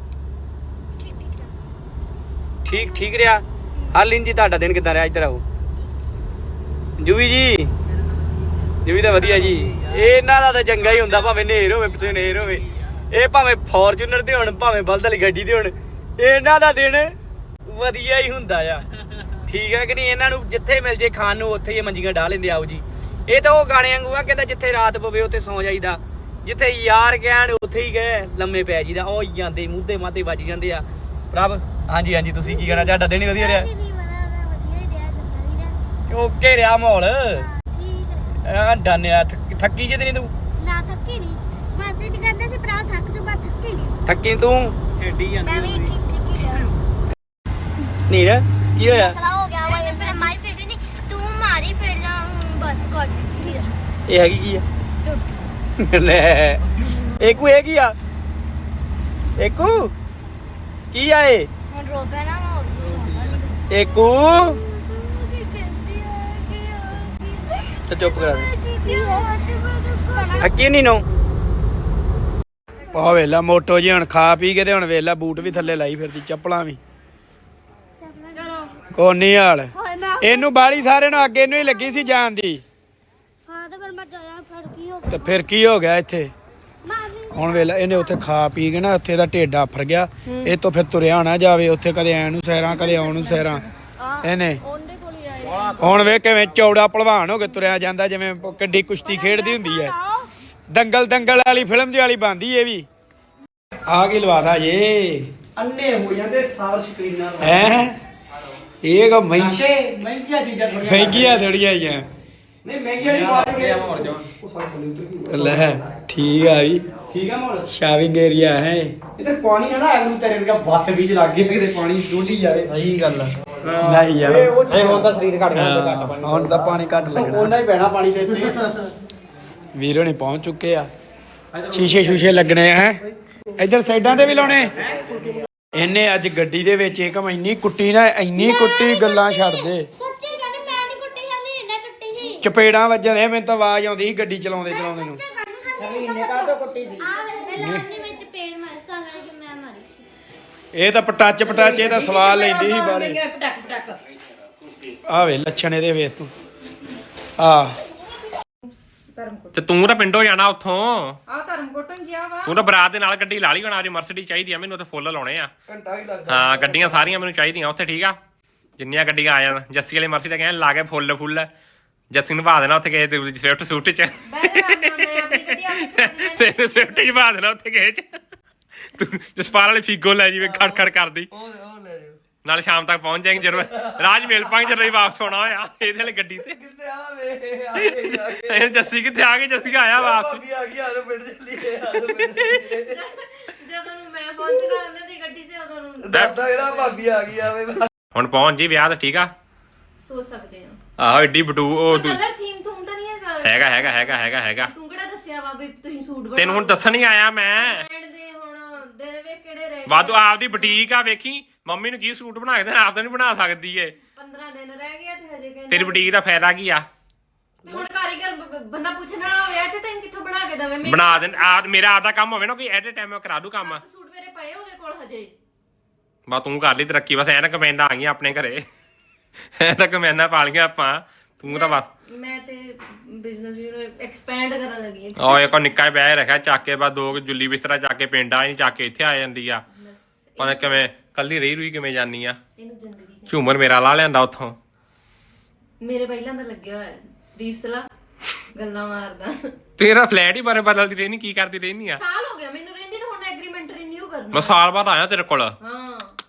[SPEAKER 4] ਠੀਕ ਰਿਹਾ ਹਰਲੀਨ ਜੀ ਤੁਹਾਡਾ ਦਿਨ ਕਿੱਦਾਂ ਰਿਹਾ ਇੱਧਰ ਆਓ ਜੂਵੀ ਜੀ ਤਾਂ ਵਧੀਆ ਜੀ ਇਹਨਾਂ ਦਾ ਤਾਂ ਚੰਗਾ ਹੀ ਹੁੰਦਾ ਭਾਵੇਂ ਨੇਰ ਹੋਵੇ ਪਿੱਛੇ ਨੇਰ ਹੋਵੇ ਇਹ ਭਾਵੇਂ ਫੋਰਚੂਨਰ ਤੇ ਹੋਣ ਭਾਵੇਂ ਬਲਦ ਵਾਲੀ ਗੱਡੀ ਤੇ ਹੋਣ ਇਹਨਾਂ ਦਾ ਦਿਨ ਵਧੀਆ ਹੀ ਹੁੰਦਾ ਆ
[SPEAKER 5] ਠੀਕ ਹੈ ਕਿ ਨਹੀਂ? ਇਹਨਾਂ ਨੂੰ ਜਿੱਥੇ ਮਿਲ ਜੇ ਖਾਣ ਨੂੰ ਉੱਥੇ ਹੀ ਮੰਜੀਆਂ ਢਾ ਲੈਂਦੇ ਆਓ ਜੀ। ਇਹ ਤਾਂ ਉਹ ਗਾਣੇ ਵਾਂਗੂ ਆ, ਕਹਿੰਦਾ ਜਿੱਥੇ ਰਾਤ ਪਵੇ ਉੱਥੇ ਸੌ ਜਾਈਦਾ, ਜਿੱਥੇ ਯਾਰ ਕਹਿਣ ਉੱਥੇ ਹੀ ਗਏ ਲੰਮੇ ਪੈ ਜੀਦਾ। ਉਹ ਜਾਂਦੇ ਮੂਧੇ ਮਾਧੇ ਵੱਜ ਜਾਂਦੇ ਆ। ਪ੍ਰਭ ਹਾਂਜੀ ਹਾਂਜੀ ਤੁਸੀਂ ਕੀ ਕਹਿਣਾ? ਤੁਹਾਡਾ ਦਿਨ ਹੀ ਵਧੀਆ ਰਿਹਾ?
[SPEAKER 6] ਅਸੀਂ ਨਹੀਂ ਬਣਾ ਵਧੀਆ ਹੀ ਰਿਹਾ ਚੰਗਾ ਹੀ ਰਿਹਾ
[SPEAKER 5] ਓਕੇ ਰਿਹਾ ਮਾਹੌਲ।
[SPEAKER 6] ਠੀਕ ਹੈ
[SPEAKER 5] ਆ ਡਾਨਿਆ ਥੱਕੀ ਜੇ ਤੇ ਨਹੀਂ ਤੂੰ?
[SPEAKER 6] ਨਾ ਥੱਕੀ ਨਹੀਂ ਮਾਸੀ ਜੀ ਕਹਿੰਦੇ ਸੀ ਭਰਾ ਥੱਕ ਜਾ ਪਰ ਥੱਕੀ ਨਹੀਂ
[SPEAKER 5] ਥੱਕੀ ਤੂੰ ਖੇਡੀ
[SPEAKER 6] ਮੈਂ
[SPEAKER 5] ਜਾਂਦੀ
[SPEAKER 6] ਵੀ ਠੀਕ ਹੀ ਰਿਹਾ
[SPEAKER 5] ਨੀਰ ਕੀ ਹੋਇਆ?
[SPEAKER 6] ਮਸਲਾ ਹੋ ਗਿਆ ਵਾ ਪਰ ਮਾਰੀ ਫੇਰ ਨਹੀਂ ਤੂੰ ਮਾਰੀ ਪਹਿਲਾਂ ਹੁਣ ਬਸ ਕਰ ਚੁੱਕੀ ਹੈ
[SPEAKER 5] ਇਹ ਹੈਗੀ ਕੀ ਆ? ਲੈ ਏਕੂ ਇਹ ਕੀ ਆ? ਏਕੂ ਕੀ ਆ ਇਹ?
[SPEAKER 6] ਹੁਣ ਰੋ ਪਿਆ ਨਾ ਮੈਂ ਹੋਰ
[SPEAKER 5] ਏਕੂ
[SPEAKER 6] ਕੀ ਕਹਿੰਦੀ ਹੈ
[SPEAKER 5] ਤੇ ਚੁੱਪ ਕਰਾ ਦੇ।
[SPEAKER 6] ਕੀ ਹੋਇਆ
[SPEAKER 5] ਥੱਕੀ ਨਹੀਂ ਨੋ? ਆ ਵੇਲਾ ਮੋਟੋ ਜੀ ਹੁਣ ਖਾ ਪੀ ਕੇ ਤੇ ਹੁਣ ਵੇਲਾ ਬੂਟ ਵੀ ਥੱਲੇ ਲਾਈ ਫਿਰਦੀ, ਚੱਪਲਾਂ ਵੀ। ਕੋਨੀ ਹਾਲ ਇਹਨੂੰ ਬਾਲੀ ਸਾਰੇ ਨੂੰ ਅੱਗੇ ਨੂੰ ਹੀ ਲੱਗੀ ਸੀ ਜਾਣ ਦੀ,
[SPEAKER 6] ਹਾਂ ਤੇ ਫਿਰ ਮੈਂ ਜਾਇਆ ਫਿਰ ਕੀ ਹੋ
[SPEAKER 5] ਤੇ ਫਿਰ ਕੀ ਹੋ ਗਿਆ ਇੱਥੇ?
[SPEAKER 6] ਮਾਰੀ
[SPEAKER 5] ਹੁਣ ਵੇਲਾ ਇਹਨੇ ਉੱਥੇ ਖਾ ਪੀ ਕੇ ਨਾ ਉੱਥੇ ਦਾ ਢਿੱਡ ਆਫਰ ਗਿਆ। ਇਹ ਤੋਂ ਫਿਰ ਤੁਰਿਆ ਨਾ ਜਾਵੇ ਉੱਥੇ, ਕਦੇ ਐ ਨੂੰ ਸੈਰਾਂ ਕਦੇ ਆਉਣ ਨੂੰ ਸੈਰਾਂ। ਇਹਨੇ
[SPEAKER 1] ਉਹਦੇ ਕੋਲ ਹੀ ਆਏ
[SPEAKER 5] ਹੁਣ ਵੇ ਕਿਵੇਂ ਚੌੜਾ ਭਲਵਾਨ ਹੋ ਕੇ ਤੁਰਿਆ ਜਾਂਦਾ, ਜਿਵੇਂ ਕਿੱਡੀ ਕੁਸ਼ਤੀ ਖੇਡਦੀ ਹੁੰਦੀ ਹੈ। ਦੰਗਲ ਵਾਲੀ ਫਿਲਮ ਦੀ ਵਾਲੀ ਬਣਦੀ ਇਹ ਵੀ। ਆ ਕੀ ਲਵਾਦਾ ਜੇ ਅੰਨੇ ਹੋ ਜਾਂਦੇ ਸਾਰ ਸਕਰੀਨਾਂ ਹੈ। ਇਹ ਕੋ ਮਹਿੰਗੀਆਂ ਚੀਜ਼ਾਂ ਥੋੜੀਆਂ ਆਈਆਂ। ਨਹੀਂ ਮਹਿੰਗੀਆਂ ਨਹੀਂ ਲੈ ਠੀਕ ਆ ਵੀ। ਠੀਕ ਆ ਮੋੜ ਸ਼ਾਵਿੰਗ ਏਰੀਆ ਹੈ। ਇੱਥੇ ਪਾਣੀ ਨਾ ਐਨੂੰ ਤੇਰੇ ਵਰਗਾ ਬੱਤ ਵਿੱਚ ਲੱਗ ਗਿਆ ਕਿਤੇ ਪਾਣੀ ਡੋਲੀ ਜਾਵੇ। ਸਹੀ ਗੱਲ ਆ। ਨਹੀਂ ਯਾਰ ਇਹ ਹੁਣ ਤਾਂ ਸਰੀਰ ਘਟ ਗਿਆ, ਘੱਟ ਪਾਣੀ ਹੁਣ ਤਾਂ ਪਾਣੀ ਘੱਟ ਲੱਗਣਾ, ਉਹਨਾਂ ਹੀ ਪੈਣਾ ਪਾਣੀ ਤੇ ਇੱਥੇ। ਵੀਰੋ ਨੇ ਪਹੁੰਚ ਚੁੱਕੇ ਆ। ਸ਼ੀਸ਼ੇ ਲੱਗਣੇ ਆ ਹੈ ਇੱਧਰ ਸਾਈਡਾਂ ਤੇ ਵੀ ਲਾਉਣੇ। ਇਹਨੇ ਅੱਜ ਗੱਡੀ ਦੇ ਵਿੱਚ ਇੱਕ ਇੰਨੀ ਕੁੱਟੀ ਨਾ, ਇੰਨੀ ਕੁੱਟੀ ਗੱਲਾਂ ਛੱਡ ਦੇ।
[SPEAKER 6] ਸੱਚੀ ਕਹਿੰਦੀ ਮੈਂ ਨਹੀਂ ਕੁੱਟੀ ਹਲੀ ਇਹਨੇ ਕੁੱਟੀ ਸੀ
[SPEAKER 5] ਚਪੇੜਾਂ ਵੱਜਣ ਦੇ, ਮੈਨੂੰ ਤਾਂ ਆਵਾਜ਼ ਆਉਂਦੀ ਸੀ ਗੱਡੀ ਚਲਾਉਂਦੇ ਨੂੰ।
[SPEAKER 6] ਹਲੀ ਇਹਨੇ ਕਾ ਤੋਂ ਕੁੱਟੀ ਸੀ ਆ ਵੇ ਲਾਉਣੀ ਵਿੱਚ ਪੇੜ ਮਾਰਸਾ ਗਾ ਕਿ ਮੈਂ ਮਾਰੀ ਸੀ
[SPEAKER 5] ਇਹ ਤਾਂ ਪਟਾਚ ਇਹ ਤਾਂ ਸਵਾਲ ਲੈਂਦੀ ਸੀ ਬਾਲੇ। ਆ ਵੇ ਲੱਛਣ ਇਹਦੇ ਵੇਖ ਤੂੰ ਆ।
[SPEAKER 2] ਤੇ ਤੂੰ ਤਾਂ ਪਿੰਡੋਂ ਜਾਣਾ ਉੱਥੋਂ।
[SPEAKER 3] ਆ ਧਰਮਕੋਟੋਂ ਗਿਆ ਵਾ
[SPEAKER 2] ਤੂੰ ਤਾਂ ਬਰਾਤ ਦੇ ਨਾਲ ਗੱਡੀ ਲਾ ਲਈ। ਹੁਣ ਅੱਜ ਮਰਸਡੀ ਚਾਹੀਦੀ ਆ ਮੈਨੂੰ, ਉੱਥੇ ਫੁੱਲ ਲਾਉਣੇ ਆ।
[SPEAKER 5] ਘੰਟਾ ਵੀ ਲੱਗਦਾ।
[SPEAKER 2] ਹਾਂ ਗੱਡੀਆਂ ਸਾਰੀਆਂ ਮੈਨੂੰ ਚਾਹੀਦੀਆਂ ਉੱਥੇ, ਠੀਕ ਆ? ਜਿੰਨੀਆਂ ਗੱਡੀਆਂ ਆ ਜਾਣ। ਜੱਸੀ ਵਾਲੀ ਮਰਸਡੀ ਤਾਂ ਕਹਿੰਦੇ ਲਾ ਕੇ ਫੁੱਲ ਜੱਸੀ ਨੂੰ ਪਾ ਦੇਣਾ ਉੱਥੇ ਕਿਸੇ ਸਵਿਫਟ ਸੂਟ ਚ। ਤੇ ਸਵਿਫਟ ਚ ਪਾ ਦੇਣਾ ਉੱਥੇ ਕਿਸੇ ਚ। ਤੂੰ ਜਸਪਾਲ ਵਾਲੀ ਫੀਗੋ ਲੈ ਜਾਵੇ ਖੜ ਕਰਦੀ। ਨਾਲ ਸ਼ਾਮ ਤੱਕ ਪਹੁੰਚ ਜਾਏਂਗੇ ਜਦੋਂ ਰਾਜ ਮੇਲ ਪਾਂਗੇ, ਜਦੋਂ ਵਾਪਸ ਆਉਣਾ ਹੋਇਆ ਇਹਦੇ ਵਾਲੀ ਗੱਡੀ ਤੇ।
[SPEAKER 5] ਕਿੱਥੇ ਆ ਵੇ
[SPEAKER 2] ਇਹ ਜੱਸੀ ਕਿੱਥੇ ਆ ਗਈ? ਜੱਸੀ ਆਇਆ ਵਾਪਸ।
[SPEAKER 5] ਆ ਗਈ ਆਲੋ ਪਿੰਡ ਚੱਲੀ ਗਏ।
[SPEAKER 1] ਜਦੋਂ ਨੂੰ ਮੈਂ ਪਹੁੰਚਣਾ ਉਹਨਾਂ ਦੀ ਗੱਡੀ ਤੇ ਉਦੋਂ ਨੂੰ
[SPEAKER 5] ਦਾਦਾ ਜਿਹੜਾ ਭਾਬੀ ਆ ਗਈ ਆਵੇ।
[SPEAKER 2] ਹੁਣ ਪਹੁੰਚ ਜੀ ਵਿਆਹ ਤੇ, ਠੀਕ ਆ?
[SPEAKER 1] ਸੋਚ ਸਕਦੇ ਆ।
[SPEAKER 2] ਆਹੋ ਏਡੀ ਬਟੂ ਉਹ
[SPEAKER 1] ਕਲਰ ਥੀਮ ਤੂੰ ਤਾਂ ਨਹੀਂ ਹੈਗਾ। ਤੂੰ ਕਿਹੜਾ ਦੱਸਿਆ ਵਾ ਵੀ ਤੁਸੀਂ ਸੂਟ ਬਣਾਓ?
[SPEAKER 2] ਤੈਨੂੰ ਹੁਣ ਦੱਸਣ ਹੀ ਆਇਆ ਮੈਂ।
[SPEAKER 1] ਦੇ ਹੁਣ ਦਿਨ ਵੇ ਕਿਹੜੇ ਰਹਿ
[SPEAKER 2] ਵਾਧੂ ਆਪਦੀ ਬੁਟੀਕ ਆ, ਵੇਖੀ ਮੰਮੀ ਨੂੰ ਕੀ ਸੂਟ ਬਣਾ ਕੇ ਦੇਣਾ, ਆਪ ਤਾਂ ਨਹੀਂ ਬਣਾ ਸਕਦੀ ਏ।
[SPEAKER 1] 15 ਦਿਨ ਰਹਿ ਗਏ ਤੇ ਹਜੇ ਕਹਿੰਦੇ
[SPEAKER 2] ਤੇਰੀ ਬੁਟੀਕ ਦਾ ਫਾਇਦਾ ਕੀ ਆ?
[SPEAKER 1] ਹੁਣ ਕਾਰੀਗਰ ਬੰਦਾ ਪੁੱਛਣ ਵਾਲਾ ਹੋਵੇ ਐਟ ਟਾਈਮ ਕਿੱਥੋਂ ਬਣਾ ਕੇ ਦਵੇ?
[SPEAKER 2] ਬਣਾ ਦੇ ਆ। ਮੇਰਾ ਆਪਦਾ ਕੰਮ ਹੋਵੇ ਨਾ ਕੋਈ ਐਟ ਟਾਈਮ ਮੈਂ ਕਰਾ ਦੂ ਕੰਮ।
[SPEAKER 1] ਸੂਟ ਮੇਰੇ ਪਏ ਉਹਦੇ ਕੋਲ ਹਜੇ।
[SPEAKER 2] ਬਾ ਤੂੰ ਕਰ ਲਈ ਤਰੱਕੀ, ਬਸ ਐਨਕ ਕਮੈਂਡਾਂ ਆ ਗਈਆਂ ਆਪਣੇ ਘਰੇ। ਐਨਕ ਕਮੈਂਡਾਂ ਪਾ ਲਈਆਂ ਆਪਾਂ। ਤੂੰ ਤਾਂ ਬਸ
[SPEAKER 1] ਮੈਂ ਤੇ ਬਿਜ਼ਨਸ ਵੀ ਐਕਸਪੈਂਡ ਕਰਨ ਲੱਗੀ
[SPEAKER 2] ਉਹ ਇੱਕ ਨਿੱਕਾ ਬਹਿ ਰੱਖਿਆ ਚੱਕ ਕੇ, ਬਸ 2 ਜੁੱਲੀ ਬਿਸਤਰਾ ਚੱਕ ਕੇ ਪਿੰਡ ਆ ਨਹੀਂ, ਚੱਕ ਕੇ ਇੱਥੇ ਆ ਜਾਂਦੀ ਆ। ਪਤਾ ਕਿਵੇਂ ਕੱਲੀ ਰਹੀ ਕਿਵੇਂ ਜਾਨੀ ਆ।
[SPEAKER 1] ਇਹਨੂੰ ਜ਼ਿੰਦਗੀ
[SPEAKER 2] ਝੂਮਰ ਮੇਰਾ ਲਾ ਲਿਆਂਦਾ ਉੱਥੋਂ।
[SPEAKER 1] ਮੇਰੇ ਪਹਿਲਾਂ ਦਾ ਲੱਗਿਆ ਹੋਇਆ ਰੀਸਲਾ ਗੱਲਾਂ ਮਾਰਦਾ।
[SPEAKER 2] ਤੇਰਾ ਫਲੈਟ ਹੀ ਬਾਰੇ ਬਦਲਦੀ ਰਹਿਨੀ, ਕੀ ਕਰਦੀ ਰਹਿਨੀ ਆ?
[SPEAKER 1] ਸਾਲ ਹੋ ਗਿਆ ਮੈਨੂੰ ਰਹਿੰਦੀ ਨੂੰ, ਹੁਣ ਐਗਰੀਮੈਂਟ ਰੀਨਿਊ ਕਰਨਾ।
[SPEAKER 2] ਮੈਂ ਸਾਲ ਬਾਅਦ ਆਇਆ ਤੇਰੇ ਕੋਲ।
[SPEAKER 1] ਹਾਂ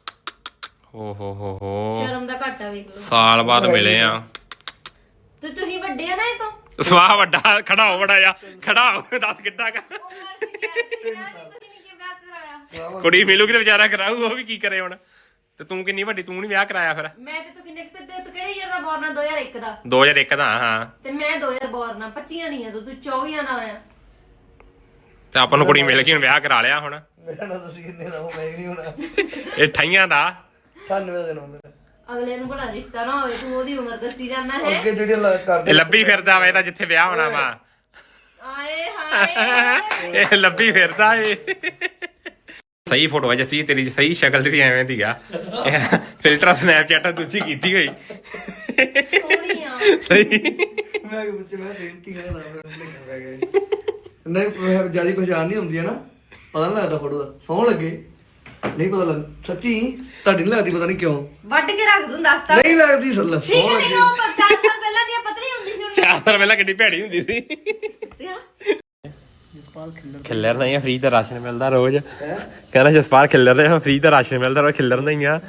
[SPEAKER 2] ਹੋ
[SPEAKER 1] ਸ਼ਰਮ ਦਾ ਘਾਟਾ ਵੇਖ ਲਓ।
[SPEAKER 2] ਸਾਲ ਬਾਅਦ ਮਿਲੇ ਆ।
[SPEAKER 1] ਤੇ ਤੁਸੀਂ ਵੱਡੇ ਆ ਨਾ ਇਹ ਤੋਂ।
[SPEAKER 2] ਸਵਾਹ ਵੱਡਾ ਖੜਾ ਹੋ ਬੜਾ ਜਾ ਖੜਾ ਹੋ, ਦੱਸ ਕਿੱਡਾ ਕਾ
[SPEAKER 1] ਉਮਰ ਸੀ ਕਿਹਾ ਤੁਸੀਂ ਨਹੀਂ ਕਿ ਵਿਆਹ ਕਰਾਇਆ।
[SPEAKER 2] ਕੁੜੀ ਮਿਲੂਗੀ ਤੇ ਵਿਚਾਰਾ ਕਰਾਊ, ਉਹ ਵੀ ਕੀ ਕਰੇ ਹੁਣ। ਤੇ ਤੂੰ ਕਿੰਨੀ ਵੱਡੀ, ਤੂੰ ਨਹੀਂ ਵਿਆਹ ਕਰਾਇਆ ਫਿਰ?
[SPEAKER 1] ਮੈਂ ਤੇ ਤੂੰ ਕਿੰਨੇ ਤੂੰ ਕਿਹੜੇ ਈਅਰ ਦਾ ਬੋਰਨ ਆ? 2001 ਦਾ।
[SPEAKER 2] 2001 ਦਾ ਹਾਂ।
[SPEAKER 1] ਤੇ ਮੈਂ 2000 ਬੋਰਨ ਆ, 25 ਨਹੀਂ ਆ ਤੂੰ 24 ਦਾ ਆ।
[SPEAKER 2] ਤੇ ਆਪਾਂ ਨੂੰ ਕੁੜੀ ਮਿਲ ਗਈ, ਹੁਣ ਵਿਆਹ ਕਰਾ ਲਿਆ। ਹੁਣ
[SPEAKER 5] ਮੇਰਾ ਨਾ ਤੁਸੀਂ ਕਿੰਨੇ ਦਾ ਹੋ, ਮੈਂ ਨਹੀਂ ਹੋਣਾ।
[SPEAKER 2] ਇਹ 28 ਦਾ
[SPEAKER 5] 98 ਦਾ ਦਿਨ ਮੇਰਾ।
[SPEAKER 1] ਅਗਲੇ ਨੂੰ ਬੜਾ ਰਿਸ਼ਤਾ ਨਾ ਹੋਵੇ, ਤੂੰ ਉਹਦੀ ਉਮਰ ਦੱਸੀ ਜਾਣਾ ਹੈ।
[SPEAKER 5] ਅੱਗੇ ਜਿਹੜੇ ਕਰਦੇ
[SPEAKER 2] ਇਹ ਲੱਭੀ ਫਿਰਦਾ ਵਾ ਇਹਦਾ ਜਿੱਥੇ ਵਿਆਹ ਹੋਣਾ ਵਾ।
[SPEAKER 1] ਆਏ ਹਾਏ
[SPEAKER 2] ਇਹ ਲੱਭੀ ਫਿਰਦਾ ਏ। ਸਹੀ ਫੋਟੋ ਹੈ ਜੱਸੀ ਤੇਰੀ, ਸਹੀ ਸ਼ਕਲ ਤੇਰੀ ਐਵੇਂ ਦੀ ਆ। ਫਿਲਟਰ ਸਨੈਪਚੈਟ ਦੂਜੀ ਕੀਤੀ ਹੋਈ
[SPEAKER 1] ਸੋਹਣੀ ਆ।
[SPEAKER 2] ਸਹੀ।
[SPEAKER 5] ਮੈਂ ਪੁੱਛਿਆ ਮੈਂ ਕੀ ਕਰਦਾ ਨਹੀਂ ਜਿਆਦਾ ਪਛਾਣ ਨਹੀਂ ਹੁੰਦੀ ਹੈ ਨਾ, ਪਤਾ ਨਹੀਂ ਲੱਗਦਾ ਫੋਟੋ ਦਾ। ਸੌਣ ਲੱਗੇ
[SPEAKER 8] ਨਹੀਂ ਪਤਾ ਲੱਗ ਸੱਚੀ ਤੁਹਾਡੀ ਨਹੀਂ ਲੱਗਦੀ ਪਤਾ ਨਹੀਂ ਕਿਉਂ
[SPEAKER 3] ਵੱਢ ਕੇ ਰੱਖ ਦੂੰ ਦੱਸਤਾ
[SPEAKER 8] ਨਹੀਂ ਲੱਗਦੀ ਸੱਲਾ
[SPEAKER 3] ਠੀਕ ਹੈ ਨਹੀਂ ਉਹ 4 ਸਾਲ ਪਹਿਲਾਂ ਦੀ ਪਤਲੀ ਹੁੰਦੀ ਸੀ ਹੁਣ
[SPEAKER 2] 4 ਸਾਲ ਪਹਿਲਾਂ ਕਿੰਨੀ ਭੈੜੀ ਹੁੰਦੀ ਸੀ ਖਿੱਲਰ ਨਹੀਂ ਆ ਫ੍ਰੀ ਦਾ ਰਾਸ਼ਨ ਮਿਲਦਾ ਰੋਜ਼ ਕਹਿੰਦਾ ਜਸਪਾਲ ਖਿੱਲਰ ਰਿਹਾ ਫ੍ਰੀ ਦਾ ਰਾਸ਼ਨ ਮਿਲਦਾ ਰੋਜ਼ ਖਿੱਲਰ ਨਹੀਂ ਆ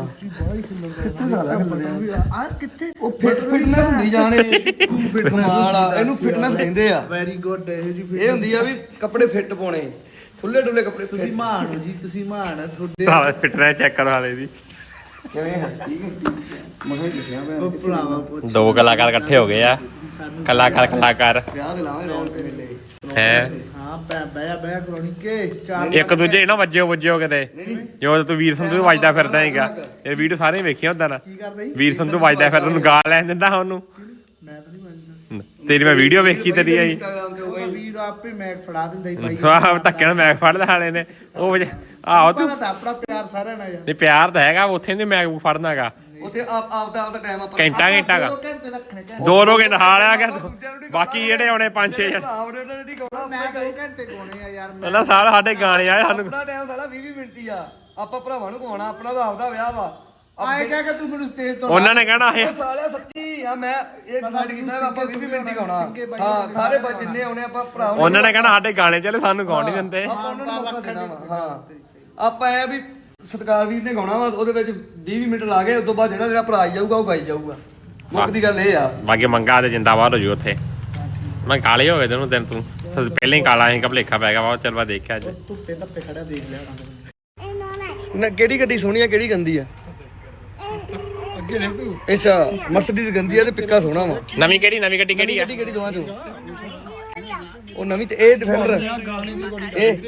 [SPEAKER 8] ਕਿੱਥੇ ਉਹ ਫਿਟਨੈਸ ਹੁੰਦੀ ਜਾਣੇ ਕਮਾਲ ਆ ਇਹਨੂੰ ਫਿਟਨੈਸ ਕਹਿੰਦੇ ਆ
[SPEAKER 9] ਵੈਰੀ ਗੁੱਡ
[SPEAKER 8] ਇਹ ਹੁੰਦੀ ਆ ਵੀ ਕੱਪੜੇ ਫਿੱਟ ਪਾਉਣੇ ਖੁੱਲੇ ਡੁੱਲੇ ਕੱਪੜੇ
[SPEAKER 9] ਤੁਸੀਂ ਮਾਣ ਹੋ ਜੀ ਤੁਸੀਂ ਮਾਣ ਤੁਹਾਡੇ
[SPEAKER 2] ਸਾਲਾ ਫਿਟਨੈਸ ਚੈੱਕ ਕਰੋ ਹਾਲੇ ਦੀ
[SPEAKER 8] ਕਿਵੇਂ ਹੈ ਠੀਕ ਹੈ ਮਹਾਂ ਦੱਸਿਆ ਮੈਂ
[SPEAKER 9] ਭਰਾਵਾ ਪੁੱਛ
[SPEAKER 2] ਦੋ ਕਲਾਕਾਰ ਇਕੱਠੇ ਹੋ ਗਏ ਆ ਕਲਾਕਾਰ
[SPEAKER 8] ਵਿਆਹ ਦੇ ਲਾਵੇਂ ਰੌਣਕ ਮੇਲੇ
[SPEAKER 2] ਹੈ
[SPEAKER 9] ਹਾਂ ਬਹਿ ਕਰਾਉਣੀ ਕੇ ਚਾਰ
[SPEAKER 2] ਇੱਕ ਦੂਜੇ ਨਾ ਵੱਜਿਓ ਕਿਤੇ ਜੋ ਤੂੰ ਵੀਰ ਸੰਧੂ ਵੱਜਦਾ ਫਿਰਦਾ ਹੈਗਾ ਇਹ ਵੀਡੀਓ ਸਾਰੇ ਵੇਖਿਆ ਹੁੰਦਾ ਨਾ
[SPEAKER 9] ਕੀ ਕਰਦਾ ਜੀ
[SPEAKER 2] ਵੀਰ ਸੰਧੂ ਵੱਜਦਾ ਫਿਰਦਾ ਉਹਨੂੰ ਗਾਲ ਲੈਣ ਦਿੰਦਾ ਉਹਨੂੰ
[SPEAKER 9] ਮੈਂ ਤਾਂ ਨਹੀਂ ਮੰਨਦਾ
[SPEAKER 2] ਤੇਰੀ ਮੈਂ ਵੀਡੀਓ ਵੇਖੀ ਤੇਰੀ ਆਈ
[SPEAKER 8] ਇੰਸਟਾਗ੍ਰਾਮ ਤੇ
[SPEAKER 9] ਉਹ ਵੀਰ ਆਪੇ ਮੈਕ ਫੜਾ ਦਿੰਦਾ ਹੀ ਭਾਈ
[SPEAKER 2] ਸਵਾਹ ਧੱਕੇ ਨਾਲ ਮੈਕ ਫੜਦਾ ਹਾਲੇ ਨੇ ਉਹ ਆਹੋ ਤੂੰ
[SPEAKER 9] ਪਤਾ ਤਾਂ ਆਪਣਾ ਪਿਆਰ ਸਾਰਿਆਂ ਨਾਲ ਯਾਰ
[SPEAKER 2] ਨਹੀਂ ਪਿਆਰ ਤਾਂ ਹੈਗਾ ਉੱਥੇ ਨਹੀਂ ਮੈਕ ਫੜਨਾਗਾ
[SPEAKER 8] ਉੱਥੇ ਆਪ ਦਾ ਟਾਈਮ ਆਪਾਂ
[SPEAKER 2] ਘੰਟਾ ਗਾ
[SPEAKER 9] 2 ਘੰਟੇ ਰੱਖਣੇ ਚਾਹੀਦੇ
[SPEAKER 2] 2 ਘੰਟੇ ਹਾਲ ਆ ਗਿਆ ਬਾਕੀ ਜਿਹੜੇ ਆਉਣੇ 5-6 ਜਣੇ
[SPEAKER 8] ਆਪਦੇ ਤੇ ਨਹੀਂ ਕਹਣਾ
[SPEAKER 9] ਮੈਂ 2 ਘੰਟੇ ਗਾਉਣੇ ਆ ਯਾਰ ਮੈਂ
[SPEAKER 2] ਉਹਨਾਂ ਸਾਲ ਸਾਡੇ ਗਾਣੇ ਆਏ ਸਾਨੂੰ
[SPEAKER 8] ਆਪਣਾ ਟਾਈਮ ਸਾਲਾ 20 ਮਿੰਟ ਹੀ ਆ ਆਪਾਂ ਭਰਾਵਾਂ ਨੂੰ ਕਹਾਉਣਾ ਆਪਣਾ ਤਾਂ ਆਪਦਾ ਵਿਆਹ ਵਾ
[SPEAKER 9] ਆਏ ਕਹਿ ਕੇ ਤੂੰ ਮੈਨੂੰ ਸਟੇਜ ਤੋਂ
[SPEAKER 2] ਉਹਨਾਂ ਨੇ ਕਹਿਣਾ ਇਹ
[SPEAKER 8] ਸਾਲਿਆ ਸੱਚੀ ਆ ਮੈਂ ਇਹ ਡਿਸਾਈਡ ਕੀਤਾ ਵੀ ਆਪਾਂ 20 ਮਿੰਟ ਹੀ ਗਾਉਣਾ ਹਾਂ ਸਾਰੇ ਜਿੰਨੇ ਆਉਣੇ ਆਪਾਂ ਭਰਾ
[SPEAKER 2] ਉਹਨਾਂ ਨੇ ਕਹਿਣਾ ਸਾਡੇ ਗਾਣੇ ਚੱਲੇ ਸਾਨੂੰ ਗਾਉਣ ਨਹੀਂ ਦਿੰਦੇ
[SPEAKER 8] ਆਪਾਂ ਉਹਨਾਂ ਨੂੰ ਮੌਕਾ ਦੇਣਾ ਵਾ ਹਾਂ ਆਪਾਂ ਇਹ ਵੀ ਸਤਿਕਾਰ ਵੀਰ ਨੇ ਗਾਉਣਾ ਵਾ ਉਹਦੇ ਵਿੱਚ 20 ਮਿੰਟ ਲਾ ਕੇ ਉਸ ਤੋਂ ਬਾਅਦ ਜਿਹੜਾ ਭਰਾ ਆਈ ਜਾਊਗਾ ਉਹ ਗਾਈ ਜਾਊਗਾ ਮੁੱਖ ਦੀ ਗੱਲ ਇਹ ਆ
[SPEAKER 2] ਬਾਕੀ ਮੰਗਾ ਤੇ ਜਿੰਦਾਬਾਦ ਹੋ ਜੂ ਉੱਥੇ ਮੈਂ ਕਾਲੇ ਹੋ ਗਏ ਤੈਨੂੰ ਤੂੰ ਪਹਿਲਾਂ ਹੀ ਕਾਲਾ ਸੀ ਭਲੇਖਾ ਪੈ ਗਿਆ ਵਾ ਚੱਲ ਵਾ ਦੇਖਿਆ ਅੱਜ
[SPEAKER 9] ਧੁੱਪੇ ਧੱਪੇ ਖੜਿਆ ਦੇਖ ਲਿਆ
[SPEAKER 8] ਨਾ ਕਿਹੜੀ ਗੱਡੀ ਸੋਹਣੀ ਆ ਕਿਹੜੀ ਗੰਦੀ ਆ ਅੱਗੇ ਦੇਖ ਤੂੰ ਅੱਛਾ ਮਰਸੀਡੀਜ਼ ਗੰਦੀ ਆ ਤੇ ਪਿੱਕਾ ਸੋਹਣਾ ਵਾ
[SPEAKER 2] ਨਵੀਂ ਗੱਡੀ ਕਿਹੜੀ ਆ
[SPEAKER 8] ਕਿਹੜੀ ਦੋਵਾਂ ਚੋਂ ਉਹ ਨਵੀਂ ਤੇ ਇਹ ਡਿਫੈਂਡਰ ਇਹ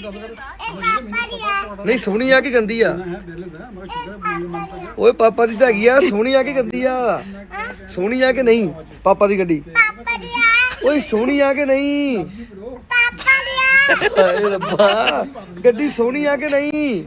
[SPEAKER 8] ਨਹੀਂ ਸੋਹਣੀ ਆ ਕਿ ਗੰਦੀ ਆ ਓਏ ਪਾਪਾ ਦੀ ਤਾਂ ਹੈਗੀ ਆ ਸੋਹਣੀ ਆ ਕਿ ਗੰਦੀ ਆ ਸੋਹਣੀ ਆ ਕਿ ਨਹੀਂ ਪਾਪਾ ਦੀ ਗੱਡੀ ਓਏ ਸੋਹਣੀ ਆ ਕਿ ਨਹੀਂ ਹਾਏ ਰੱਬਾ ਗੱਡੀ ਸੋਹਣੀ ਆ ਕਿ ਨਹੀਂ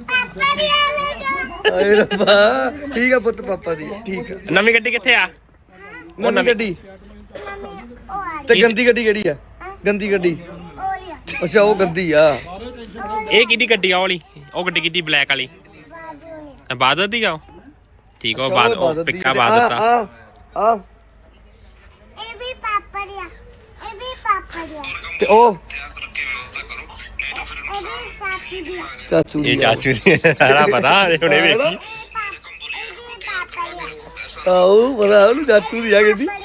[SPEAKER 8] ਹਾਏ ਰੱਬਾ ਠੀਕ ਆ ਪੁੱਤ ਪਾਪਾ ਦੀ ਠੀਕ ਆ
[SPEAKER 2] ਨਵੀਂ ਗੱਡੀ ਕਿੱਥੇ ਆ
[SPEAKER 8] ਨਵੀਂ ਗੱਡੀ ਤੇ ਗੰਦੀ ਗੱਡੀ ਕਿਹੜੀ ਆ ਗੰਦੀ ਗੱਡੀ ਅੱਛਾ ਉਹ ਗੰਦੀ ਆ
[SPEAKER 2] ਇਹ ਕਿਹਦੀ ਗੱਡੀ ਆ ਵਾਲੀ ਉਹ ਗੱਡੀ ਕਿਹਦੀ ਬਲੈਕ ਵਾਲੀ ਬਾਦਤ ਦੀ ਆ ਠੀਕ ਆ ਬਾਦ ਉਹ ਪਿੱਕਾ ਬਾਦਤ ਆ
[SPEAKER 8] ਆ
[SPEAKER 6] ਇਹ ਵੀ ਪਾਪਾ ਦਿਆ
[SPEAKER 8] ਤੇ ਉਹ
[SPEAKER 6] ਇਹ ਵੀ ਸਾਥੀ ਦਿਆ
[SPEAKER 8] ਚਾਚੂ ਦੀ
[SPEAKER 2] ਇਹ ਚਾਚੂ ਦੀ ਸਾਰਾ ਪਤਾ ਹੁਣੇ ਵੇਖੀ
[SPEAKER 6] ਇਹ ਵੀ ਪਾਪਾ ਦਿਆ
[SPEAKER 8] ਆਓ ਬੜਾ ਉਹਨੂੰ ਚਾਚੂ ਦੀ ਆ ਗਈ